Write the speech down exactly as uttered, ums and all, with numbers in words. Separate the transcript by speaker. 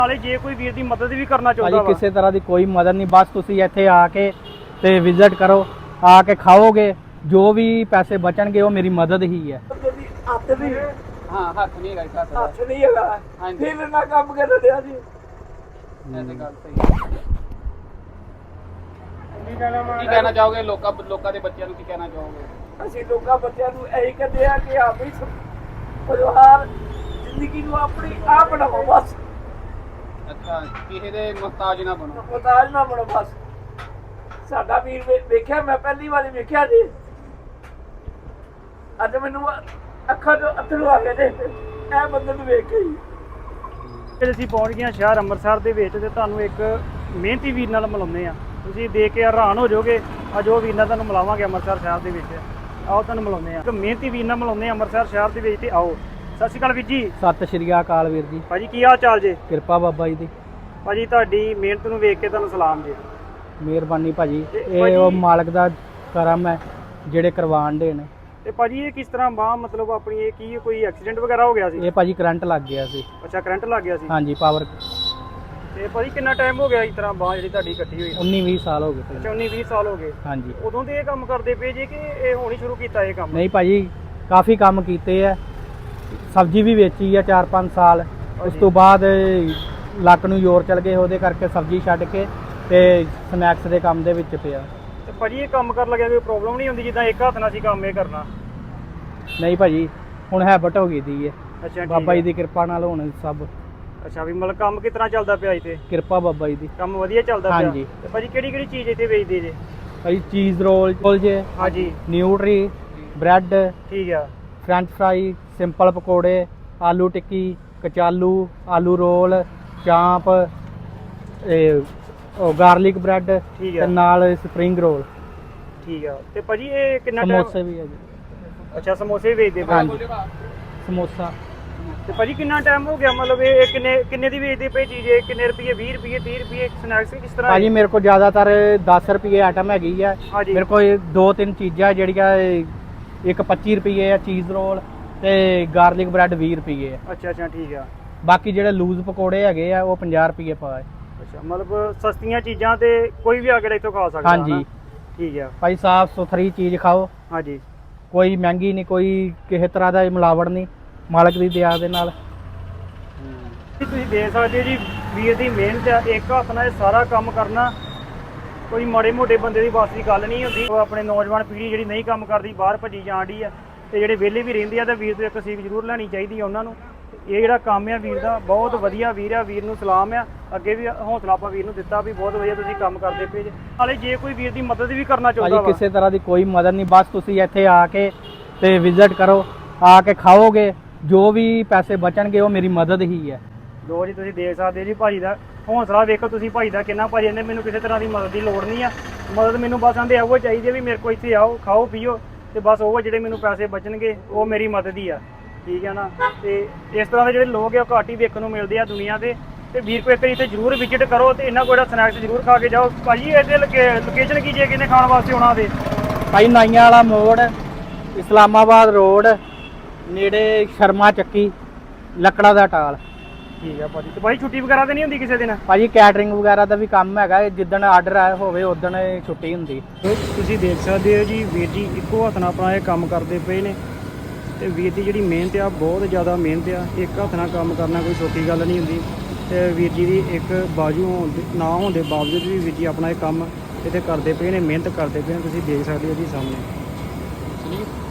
Speaker 1: ਨਾਲੇ ਜੇ ਕੋਈ ਵੀਰ ਦੀ ਮਦਦ ਵੀ ਕਰਨਾ ਚਾਹੁੰਦਾ
Speaker 2: ਭਾਜੀ ਕਿਸੇ ਤਰ੍ਹਾਂ ਦੀ ਕੋਈ ਮਦਦ ਨਹੀਂ, ਬਸ ਤੁਸੀਂ ਇੱਥੇ ਆ ਕੇ ਤੇ ਵਿਜ਼ਿਟ ਕਰੋ, ਆ ਕੇ ਖਾਓਗੇ, ਜੋ ਵੀ ਪੈਸੇ ਬਚਣਗੇ ਉਹ ਮੇਰੀ ਮਦਦ ਹੀ ਹੈ।
Speaker 3: ਹੱਥ ਨਹੀਂ
Speaker 2: ਹਾਂ ਹੱਥ ਨਹੀਂ ਹੈਗਾ,
Speaker 3: ਹੱਥ ਨਹੀਂ ਹੈਗਾ ਫਿਰ ਨਾ ਕੰਮ ਕਰ ਰਿਹਾ ਜੀ।
Speaker 2: ਐਸੇ ਗੱਲ ਸਹੀ ਕੀ ਕਹਿਣਾ ਚਾਹੋਗੇ ਲੋਕਾਂ ਲੋਕਾਂ ਦੇ ਬੱਚਿਆਂ ਨੂੰ, ਕੀ ਕਹਿਣਾ ਚਾਹੋਗੇ?
Speaker 3: ਅਸੀਂ ਲੋਕਾਂ ਬੱਚਿਆਂ ਨੂੰ ਇਹੀ ਕਹਿੰਦੇ ਆ ਕਿ ਆਪਣੀ ਪਰਿਵਾਰ ਜ਼ਿੰਦਗੀ ਨੂੰ ਆਪਣੀ ਆਪ ਬਣਾਓ ਬਸ।
Speaker 2: ਅੱਛਾ, ਕਿਸੇ ਦੇ ਮੁਹਤਾਜ ਨਾ ਬਣੋ।
Speaker 3: ਮੁਹਤਾਜ ਨਾ ਬਣੋ ਬਸ। ਸਾਡਾ ਵੀਰ ਵੇਖਿਆ, ਮੈਂ ਪਹਿਲੀ ਵਾਰੀ ਵੇਖਿਆ ਜੀ, ਅੱਜ ਮੈਨੂੰ ਅੱਖਾਂ ਤੋਂ ਅੱਥਰੂ ਆ ਗਏ ਨੇ ਇਹ ਬੰਦੇ ਨੂੰ ਵੇਖ ਕੇ ਹੀ।
Speaker 1: ਫਿਰ ਅਸੀਂ ਪਹੁੰਚ ਗਏ ਹਾਂ ਸ਼ਹਿਰ ਅੰਮ੍ਰਿਤਸਰ ਦੇ ਵਿੱਚ ਤੇ ਤੁਹਾਨੂੰ ਇੱਕ ਮਿਹਨਤੀ ਵੀਰ ਨਾਲ ਮਿਲਾਉਂਦੇ ਆ। ਤੁਸੀਂ ਦੇਖ ਕੇ ਹੈਰਾਨ ਹੋ ਜਾਓਗੇ। ਅੱਜ ਉਹ ਵੀਰ ਨਾਲ ਤੁਹਾਨੂੰ ਮਿਲਾਵਾਂਗੇ ਅੰਮ੍ਰਿਤਸਰ ਸ਼ਹਿਰ ਦੇ ਵਿੱਚ। ਆਓ ਤੁਹਾਨੂੰ ਮਿਲਾਉਂਦੇ ਆ, ਇੱਕ ਮਿਹਨਤੀ ਵੀਰ ਨਾਲ ਮਿਲਾਉਂਦੇ ਆ ਅੰਮ੍ਰਿਤਸਰ ਸ਼ਹਿਰ ਦੇ ਵਿੱਚ। ਤੇ ਆਓ। ਸਤਿ ਸ਼੍ਰੀ ਅਕਾਲ ਵੀਰ ਜੀ।
Speaker 2: ਸਤਿ ਸ਼੍ਰੀ ਅਕਾਲ ਵੀਰ ਜੀ।
Speaker 1: ਭਾਜੀ ਕੀ ਹਾਲ ਚਾਲ ਜੇ?
Speaker 2: ਕਿਰਪਾ ਬਾਬਾ ਜੀ ਦੀ।
Speaker 1: ਭਾਜੀ ਤੁਹਾਡੀ ਮਿਹਨਤ ਨੂੰ ਵੇਖ ਕੇ ਤੁਹਾਨੂੰ ਸਲਾਮ ਜੀ।
Speaker 2: ਮਿਹਰਬਾਨੀ ਭਾਜੀ,
Speaker 1: ਤੇ
Speaker 2: ਇਹ
Speaker 1: ਭਾਜੀ-
Speaker 2: ਉਹ ਮਾਲਕ ਦਾ ਕਰਮ ਹੈ ਜਿਹੜੇ ਕਰਵਾਣ ਦੇ ਨੇ।
Speaker 1: ਤੇ ਭਾਜੀ ਇਹ ਕਿਸ ਤਰ੍ਹਾਂ ਬਾਹ ਮਤਲਬ ਆਪਣੀ ਇਹ ਕੀ ਕੋਈ ਐਕਸੀਡੈਂਟ ਵਗੈਰਾ ਹੋ ਗਿਆ ਸੀ?
Speaker 2: ਇਹ ਭਾਜੀ ਕਰੰਟ ਲੱਗ ਗਿਆ ਸੀ।
Speaker 1: ਅੱਛਾ ਕਰੰਟ ਲੱਗ ਗਿਆ ਸੀ।
Speaker 2: ਹਾਂਜੀ ਪਾਵਰ।
Speaker 1: ਤੇ ਭਾਜੀ ਕਿੰਨਾ ਟਾਈਮ ਹੋ ਗਿਆ ਇਸ ਤਰ੍ਹਾਂ ਬਾਹ ਜਿਹੜੀ ਤੁਹਾਡੀ ਇਕੱਠੀ ਹੋਈ?
Speaker 2: ਉੱਨੀ ਵੀਹ ਸਾਲ ਹੋ ਗਏ ਭਾਜੀ।
Speaker 1: ਅੱਛਾ ਉੱਨੀ ਵੀਹ ਸਾਲ ਹੋ ਗਏ।
Speaker 2: ਹਾਂਜੀ।
Speaker 1: ਉਦੋਂ ਦੇ ਇਹ ਕੰਮ ਕਰਦੇ ਪਏ ਜੇ ਕਿ ਇਹ ਹੁਣ ਹੀ ਸ਼ੁਰੂ ਕੀਤਾ ਇਹ ਕੰਮ?
Speaker 2: ਨਹੀਂ ਭਾਜੀ, ਕਾਫੀ ਕੰਮ ਕੀਤੇ ਆ, ਸਬਜ਼ੀ ਵੀ ਵੇਚੀ ਆ ਚਾਰ ਪੰਜ ਸਾਲ। ਉਸ ਤੋਂ ਬਾਅਦ ਲੱਕ ਨੂੰ ਜ਼ੋਰ ਚਲ ਗਏ, ਉਹਦੇ ਕਰਕੇ ਸਬਜ਼ੀ ਛੱਡ ਕੇ ਤੇ ਸਨੈਕਸ ਦੇ ਕੰਮ ਦੇ ਵਿੱਚ ਪਿਆ।
Speaker 1: ਤੇ ਭਾਜੀ ਇਹ ਕੰਮ ਕਰਨ ਲੱਗਿਆ ਕੋਈ ਪ੍ਰੋਬਲਮ ਨਹੀਂ ਹੁੰਦੀ ਜਿੱਦਾਂ ਇੱਕ ਹੱਥ ਨਾਲ ਸੀ ਕੰਮ ਇਹ ਕਰਨਾ?
Speaker 2: ਨਹੀਂ ਭਾਜੀ, ਹੁਣ ਹੈਬਟ ਹੋ ਗਈ ਦੀ ਹੈ
Speaker 1: ਅੱਛਾ
Speaker 2: ਬਾਬਾ ਜੀ ਦੀ ਕਿਰਪਾ ਨਾਲ। ਹੁਣ ਸਭ
Speaker 1: ਅੱਛਾ ਵੀ ਮਤਲਬ ਕੰਮ ਕਿਸ ਤਰ੍ਹਾਂ ਚੱਲਦਾ ਪਿਆ ਇੱਥੇ?
Speaker 2: ਕਿਰਪਾ ਬਾਬਾ ਜੀ ਦੀ।
Speaker 1: ਕੰਮ ਵਧੀਆ ਚੱਲਦਾ ਪਿਆ?
Speaker 2: ਹਾਂਜੀ।
Speaker 1: ਤੇ ਭਾਜੀ ਕਿਹੜੀ ਕਿਹੜੀ ਚੀਜ਼ ਇੱਥੇ ਵੇਚਦੇ ਜੇ?
Speaker 2: ਭਾਜੀ ਚੀਜ਼ ਰੋਲ ਕੋਲ ਜੇ,
Speaker 1: ਹਾਂਜੀ
Speaker 2: ਨਿਊਟਰੀ, ਬ੍ਰੈਡ,
Speaker 1: ਠੀਕ ਆ।
Speaker 2: ਫਰੈਂਚ ਫਰਾਈ, ਸਿੰਪਲ ਪਕੌੜੇ, ਆਲੂ ਟਿੱਕੀ, ਕਚਾਲੂ, ਆਲੂ ਰੋਲ, ਚਾਂਪ, ਇਹ ਉਹ ਗਾਰਲਿਕ ਬ੍ਰੈਡ
Speaker 1: ਠੀਕ
Speaker 2: ਤੇ
Speaker 1: ਆ
Speaker 2: ਨਾਲ ਸਪਰਿੰਗ ਰੋਲ,
Speaker 1: ਠੀਕ ਆ। ਤੇ ਭਾਜੀ ਇਹ ਕਿੰਨਾ
Speaker 2: ਸਮੋਸੇ
Speaker 1: ਟਾਈਮ?
Speaker 2: ਵੀ ਹੈ ਜੀ।
Speaker 1: ਅੱਛਾ ਸਮੋਸੇ ਵੀ ਵੇਚਦੇ ਪਏ?
Speaker 2: ਹਾਂਜੀ ਸਮੋਸਾ।
Speaker 1: ਤੇ ਭਾਜੀ ਕਿੰਨਾ ਟਾਈਮ ਹੋ ਗਿਆ ਮਤਲਬ ਇਹ ਕਿੰਨੇ ਕਿੰਨੇ ਦੀ ਵੇਚਦੇ ਪਏ ਚੀਜ਼? ਇਹ ਕਿੰਨੇ ਰੁਪਏ? ਵੀਹ ਰੁਪਏ, ਤੀਹ ਰੁਪਏ ਸਨੈਕਸ ਕਿਸ ਤਰ੍ਹਾਂ?
Speaker 2: ਭਾਜੀ ਮੇਰੇ ਕੋਲ ਜ਼ਿਆਦਾਤਰ ਦਸ ਰੁਪਏ ਆਈਟਮ ਹੈਗੀ ਆ।
Speaker 1: ਹਾਂਜੀ।
Speaker 2: ਮੇਰੇ ਕੋਲ ਦੋ ਤਿੰਨ ਚੀਜ਼ਾਂ ਜਿਹੜੀਆਂ ਇੱਕ ਪੱਚੀ ਰੁਪਏ ਆ ਚੀਜ਼ ਰੋਲ ਤੇ ਗਾਰਲਿਕ ਬ੍ਰੈਡ ਵੀਹ ਰੁਪਏ ਆ।
Speaker 1: ਅੱਛਾ ਅੱਛਾ ਠੀਕ ਆ।
Speaker 2: ਬਾਕੀ ਜਿਹੜੇ ਲੂਜ਼ ਪਕੌੜੇ ਹੈਗੇ ਆ ਉਹ ਪੰਜਾਹ ਰੁਪਏ ਪਾ ਹੈ।
Speaker 1: ਅੱਛਾ ਮਤਲਬ ਸਸਤੀਆਂ ਚੀਜ਼ਾਂ ਤੇ ਕੋਈ ਵੀ ਆ ਕੇ ਇੱਥੋਂ ਖਾ ਸਕਦਾ?
Speaker 2: ਹਾਂਜੀ।
Speaker 1: ਹਨਾ? ਠੀਕ ਆ।
Speaker 2: ਭਾਈ ਸਾਫ ਸੁਥਰੀ ਚੀਜ਼ ਖਾਓ,
Speaker 1: ਹਾਂਜੀ।
Speaker 2: ਕੋਈ ਮਹਿੰਗੀ ਨਹੀਂ, ਕੋਈ ਕਿਸੇ ਤਰ੍ਹਾਂ ਦਾ ਮਿਲਾਵਟ ਨਹੀਂ, ਮਾਲਕ ਦੀ ਦਇਆ ਦੇ ਨਾਲ।
Speaker 1: ਤੁਸੀਂ ਦੇਖ ਸਕਦੇ ਹੋ ਜੀ ਵੀਰ ਦੀ ਮਿਹਨਤ ਆ। ਇੱਕ ਹੱਥ ਨਾਲ ਇਹ ਸਾਰਾ ਕੰਮ ਕਰਨਾ ਕੋਈ ਮਾੜੇ ਮੋਟੇ ਬੰਦੇ ਦੀ ਵੱਸ ਦੀ ਗੱਲ ਨਹੀਂ ਹੁੰਦੀ। ਉਹ ਆਪਣੇ ਨੌਜਵਾਨ ਪੀੜ੍ਹੀ ਜਿਹੜੀ ਨਹੀਂ ਕੰਮ ਕਰਦੀ ਬਾਹਰ ਭੱਜੀ ਜਾਣ ਡਈ ਆ, ਤੇ ਜਿਹੜੇ ਵਿਹਲੇ ਵੀ ਰਹਿੰਦੇ ਆ ਤਾਂ ਵੀਰ ਤੋਂ ਇੱਕ ਸੀਖ ਜ਼ਰੂਰ ਲੈਣੀ ਚਾਹੀਦੀ ਆ ਉਹਨਾਂ ਨੂੰ। ਇਹ ਜਿਹੜਾ ਕੰਮ ਆ ਵੀਰ ਦਾ ਬਹੁਤ ਵਧੀਆ ਵੀਰ ਆ। ਵੀਰ ਨੂੰ ਸਲਾਮ ਆ। ਅੱਗੇ ਵੀ ਹੌਸਲਾ ਆਪਾਂ ਵੀਰ ਨੂੰ ਦਿੱਤਾ ਵੀ ਬਹੁਤ ਵਧੀਆ ਤੁਸੀਂ ਕੰਮ ਕਰਦੇ ਪਏ ਜੇ। ਨਾਲੇ ਜੇ ਕੋਈ ਵੀਰ ਦੀ ਮਦਦ ਵੀ ਕਰਨਾ ਚਾਹੁੰਦਾ
Speaker 2: ਭਾਜੀ
Speaker 1: ਵਾ,
Speaker 2: ਕਿਸੇ ਤਰ੍ਹਾਂ ਦੀ ਕੋਈ ਮਦਦ ਨਹੀਂ, ਬਸ ਤੁਸੀਂ ਇੱਥੇ ਆ ਕੇ ਤੇ ਵਿਜ਼ਿਟ ਕਰੋ, ਆ ਕੇ ਖਾਓਗੇ, ਜੋ ਵੀ ਪੈਸੇ ਬਚਣਗੇ ਉਹ ਮੇਰੀ ਮਦਦ ਹੀ ਹੈ।
Speaker 1: ਲੋ ਜੀ ਤੁਸੀਂ ਦੇਖ ਸਕਦੇ ਜੀ ਭਾਜੀ ਦਾ ਹੌਸਲਾ ਵੇਖੋ ਤੁਸੀਂ ਭਾਜੀ ਦਾ ਕਿੰਨਾ। ਭਾਜੀ ਕਹਿੰਦੇ ਮੈਨੂੰ ਕਿਸੇ ਤਰ੍ਹਾਂ ਦੀ ਮਦਦ ਦੀ ਲੋੜ ਨਹੀਂ ਆ। ਮਦਦ ਮੈਨੂੰ ਬਸ ਆਂਦੇ ਇਹੋ ਚਾਹੀਦੀ ਹੈ ਵੀ ਮੇਰੇ ਕੋਲ ਇੱਥੇ ਆਓ, ਖਾਓ ਪੀਓ, ਤੇ ਬਸ ਉਹ ਜਿਹੜੇ ਮੈਨੂੰ ਪੈਸੇ ਬਚਣਗੇ ਉਹ ਮੇਰੀ ਮਦਦ ਹੀ ਆ। ਠੀਕ ਹੈ ਨਾ? ਤੇ ਇਸ ਤਰ੍ਹਾਂ ਦੇ ਜਿਹੜੇ ਲੋਕ ਆ ਉਹ ਘੱਟ ਹੀ ਵੇਖਣ ਨੂੰ ਮਿਲਦੇ ਆ ਦੁਨੀਆ ਤੇ। ਤੇ ਵੀਰ ਕੋਲ ਇੱਕ ਵਾਰੀ ਇੱਥੇ ਜ਼ਰੂਰ ਵਿਜ਼ਿਟ ਕਰੋ ਤੇ ਇਹਨਾਂ ਕੋਲ ਜਿਹੜਾ ਸਨੈਕਸ ਜ਼ਰੂਰ ਖਾ ਕੇ ਜਾਓ। ਭਾਜੀ ਇਹਦੇ ਲੋਕੇਸ਼ਨ ਕੀ ਜੇ ਕਿਨੇ ਖਾਣ ਵਾਸਤੇ ਆਉਣਾ ਦੇ?
Speaker 2: ਭਾਈ ਨਾਈਆਂ ਵਾਲਾ ਮੋੜ, ਇਸਲਾਮਾਬਾਦ ਰੋਡ, ਨੇੜੇ ਸ਼ਰਮਾ ਚੱਕੀ, ਲੱਕੜਾ ਦਾ ਟਾਲ।
Speaker 1: ਠੀਕ ਆ ਭਾਜੀ। ਤੇ ਭਾਈ ਛੁੱਟੀ ਵਗੈਰਾ ਤਾਂ ਨਹੀਂ ਹੁੰਦੀ ਕਿਸੇ ਦਿਨ?
Speaker 2: ਭਾਜੀ ਕੈਟਰਿੰਗ ਵਗੈਰਾ ਦਾ ਵੀ ਕੰਮ ਹੈਗਾ, ਜਿੱਦਣ ਆਰਡਰ ਆਇਆ ਹੋਵੇ ਉਦਣ ਛੁੱਟੀ ਹੁੰਦੀ।
Speaker 1: ਤੁਸੀਂ ਦੇਖ ਸਕਦੇ ਹੋ ਜੀ ਵੀਰ ਜੀ ਇੱਕੋ ਹੱਥ ਨਾਲ ਆਪਣਾ ਇਹ ਕੰਮ ਕਰਦੇ ਪਏ ਨੇ। ਤੇ ਵੀਰ ਦੀ ਜਿਹੜੀ ਮਿਹਨਤ ਆ ਬਹੁਤ ਜ਼ਿਆਦਾ ਮਿਹਨਤ ਆ। ਇੱਕ ਹੱਥ ਨਾਲ ਕੰਮ ਕਰਨਾ ਕੋਈ ਛੋਟੀ ਗੱਲ ਨਹੀਂ ਹੁੰਦੀ। ਤੇ ਵੀਰ ਜੀ ਦੀ ਇੱਕ ਬਾਜੂ ਹੋਣ ਦੇ ਨਾ ਹੋਣ ਦੇ ਬਾਵਜੂਦ ਵੀ ਵੀਰ ਜੀ ਆਪਣਾ ਇਹ ਕੰਮ ਇੱਥੇ ਕਰਦੇ ਪਏ ਨੇ, ਮਿਹਨਤ ਕਰਦੇ ਪਏ ਨੇ। ਤੁਸੀਂ ਦੇਖ ਸਕਦੇ ਹੋ ਜੀ ਸਾਹਮਣੇ।